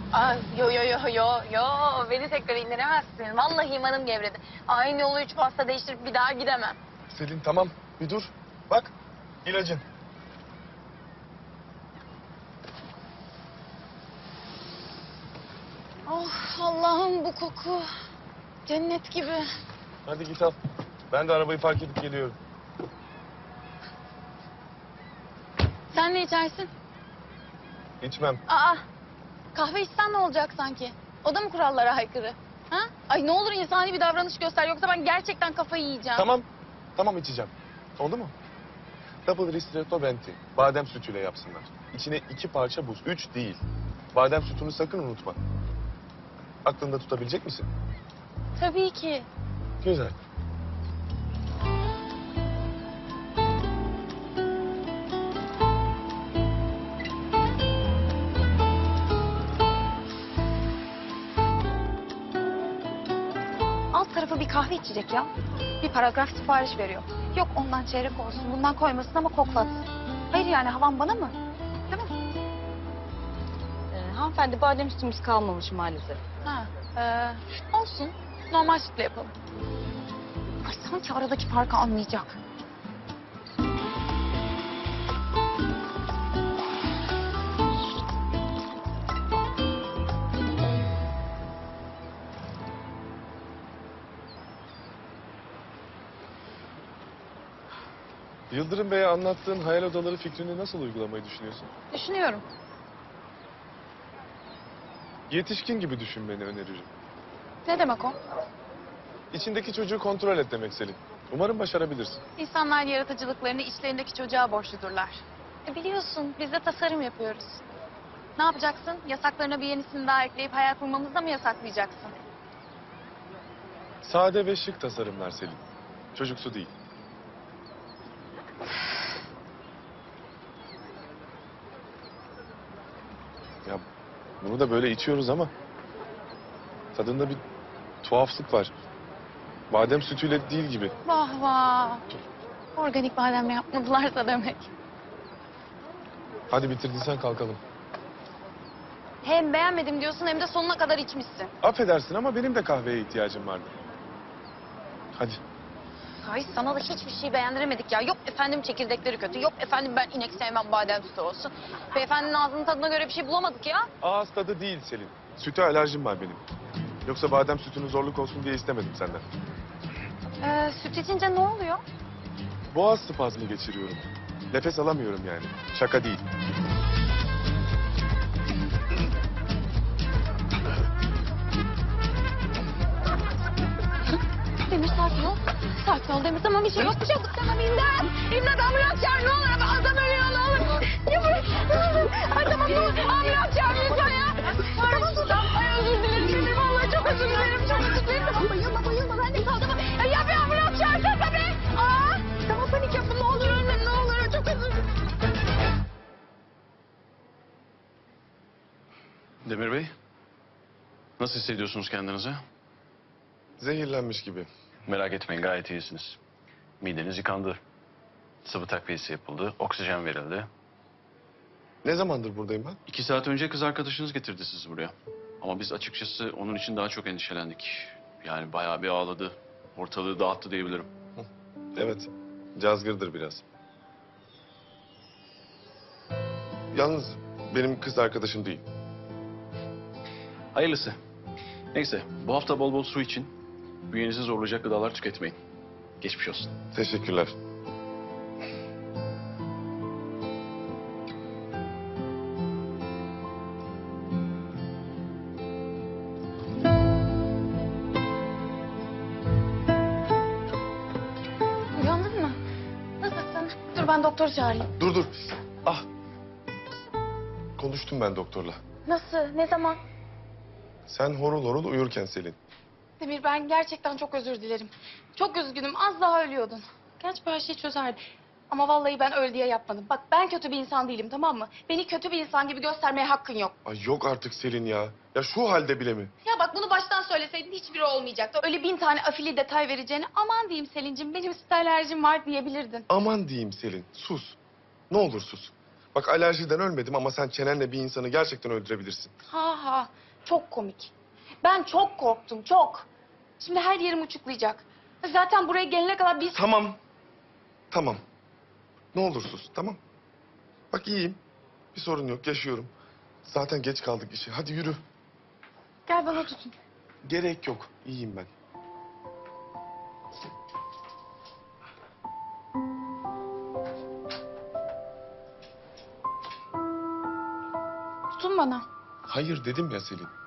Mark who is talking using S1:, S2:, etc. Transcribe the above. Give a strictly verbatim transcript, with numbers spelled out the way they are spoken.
S1: Ay, yo yo yo yo yo beni tekrar indiremezsin. Vallahi imanım gevredi. Aynı yolu üç pasta değiştirip bir daha gidemem.
S2: Selin tamam bir dur. Bak ilacın.
S1: Oh Allah'ım bu koku. Cennet gibi.
S2: Hadi git al. Ben de arabayı park edip geliyorum.
S1: Sen ne içersin?
S2: İçmem.
S1: Aa, kahve içsen ne olacak sanki? O da mı kurallara aykırı? Ha? Ay ne olur insani bir davranış göster yoksa ben gerçekten kafayı yiyeceğim.
S2: Tamam. Tamam içeceğim. Oldu mu? Double ristretto venti. Badem sütüyle yapsınlar. İçine iki parça buz. Üç değil. Badem sütünü sakın unutma. Aklında tutabilecek misin?
S1: Tabii ki.
S2: Güzel.
S1: Alt tarafı bir kahve içecek ya. Bir paragraf sipariş veriyor. Yok ondan çeyrek olsun, bundan koymasın ama koklatsın. Hayır yani havan bana mı? Değil mi?
S3: Ee, hanımefendi badem sütümüz kalmamış maalesef.
S1: Ha, ee, olsun. Normal sütle yapalım. Ay sanki aradaki farkı anlayacak.
S2: Yıldırım Bey'e anlattığın hayal odaları fikrini nasıl uygulamayı düşünüyorsun?
S1: Düşünüyorum.
S2: Yetişkin gibi düşünmeni öneririm.
S1: Ne demek o?
S2: İçindeki çocuğu kontrol et demek Selin. Umarım başarabilirsin.
S1: İnsanlar yaratıcılıklarını içlerindeki çocuğa borçludurlar. E biliyorsun biz de tasarım yapıyoruz. Ne yapacaksın? Yasaklarına bir yenisini daha ekleyip hayal kurmamızı da mı yasaklayacaksın?
S2: Sade ve şık tasarımlar Selin. Çocuksu değil. Ya bunu da böyle içiyoruz ama tadında bir tuhaflık var. Badem sütüyle değil gibi.
S1: Vah vah. Organik bademle yapmadılarsa demek.
S2: Hadi bitirdiysen kalkalım.
S1: Hem beğenmedim diyorsun hem de sonuna kadar içmişsin.
S2: Affedersin ama benim de kahveye ihtiyacım vardı. Hadi.
S1: Ay sana da hiçbir şey beğendiremedik ya. Yok efendim çekirdekleri kötü. Yok efendim ben inek sevmem badem sütü olsun. Beyefendinin ağzının tadına göre bir şey bulamadık ya.
S2: Ağız tadı değil Selin. Süte alerjim var benim. Yoksa badem sütünü zorluk olsun diye istemedim senden.
S1: Ee, süt içince ne oluyor?
S2: Boğaz spazmı geçiriyorum. Nefes alamıyorum yani. Şaka değil.
S1: Demir sakin ol. Sakin ol Demir tamam bir şey yok. Bir şey yok. Tamam imdat. İmdat ambulans çağır ne olur. Adam ölüyor ne olur. Ya bırak. Ay tamam ne olur. Ambulans çağır lütfen ya. Tamam tamam. Ay özür dilerim Demir. Vallahi çok özür dilerim. Çok özür dilerim. Tamam bayılma bayılma. Ben de kaldım. Ya, ya bir ambulans çağırsana tabii. Aa. Tamam panik yapma ne olur ölme ne olur. Çok özür dilerim.
S4: Demir Bey, nasıl hissediyorsunuz kendinizi?
S2: Zehirlenmiş gibi.
S4: Merak etmeyin, gayet iyisiniz. Mideniz yıkandı. Sıvı takviyesi yapıldı, oksijen verildi.
S2: Ne zamandır buradayım ben?
S4: İki saat önce kız arkadaşınız getirdi sizi buraya. Ama biz açıkçası onun için daha çok endişelendik. Yani bayağı bir ağladı. Ortalığı dağıttı diyebilirim.
S2: Evet. Cazgırdır biraz. Yalnız benim kız arkadaşım değil.
S4: Hayırlısı. Neyse, bu hafta bol bol su için. Bünyenizi zorlayacak gıdalar tüketmeyin. Geçmiş olsun.
S2: Teşekkürler.
S1: Uyandın mı? Nasılsın? Dur ben doktoru çağırayım.
S2: Dur dur. Ah. Konuştum ben doktorla.
S1: Nasıl? Ne zaman?
S2: Sen horul horul uyurken Selin.
S1: Demir ben gerçekten çok özür dilerim. Çok üzgünüm. Az daha ölüyordun. Gerçi bu her şeyi çözerdi. Ama vallahi ben öl diye yapmadım. Bak ben kötü bir insan değilim tamam mı? Beni kötü bir insan gibi göstermeye hakkın yok.
S2: Ay yok artık Selin ya. Ya şu halde bile mi?
S1: Ya bak bunu baştan söyleseydin hiçbiri olmayacaktı. Öyle bin tane afili detay vereceğine aman diyeyim Selin'cim benim süt alerjim var diyebilirdin.
S2: Aman diyeyim Selin. Sus. Ne olur sus. Bak alerjiden ölmedim ama sen çenenle bir insanı gerçekten öldürebilirsin.
S1: Ha ha, çok komik. Ben çok korktum, çok. Şimdi her yerim uçuklayacak. Zaten buraya gelene kadar biz...
S2: Tamam. Tamam. Ne olur sus, tamam. Bak iyiyim. Bir sorun yok, yaşıyorum. Zaten geç kaldık işe. Hadi yürü.
S1: Gel bana tutun.
S2: Gerek yok. İyiyim ben.
S1: Tutun bana.
S2: Hayır dedim ya Selin.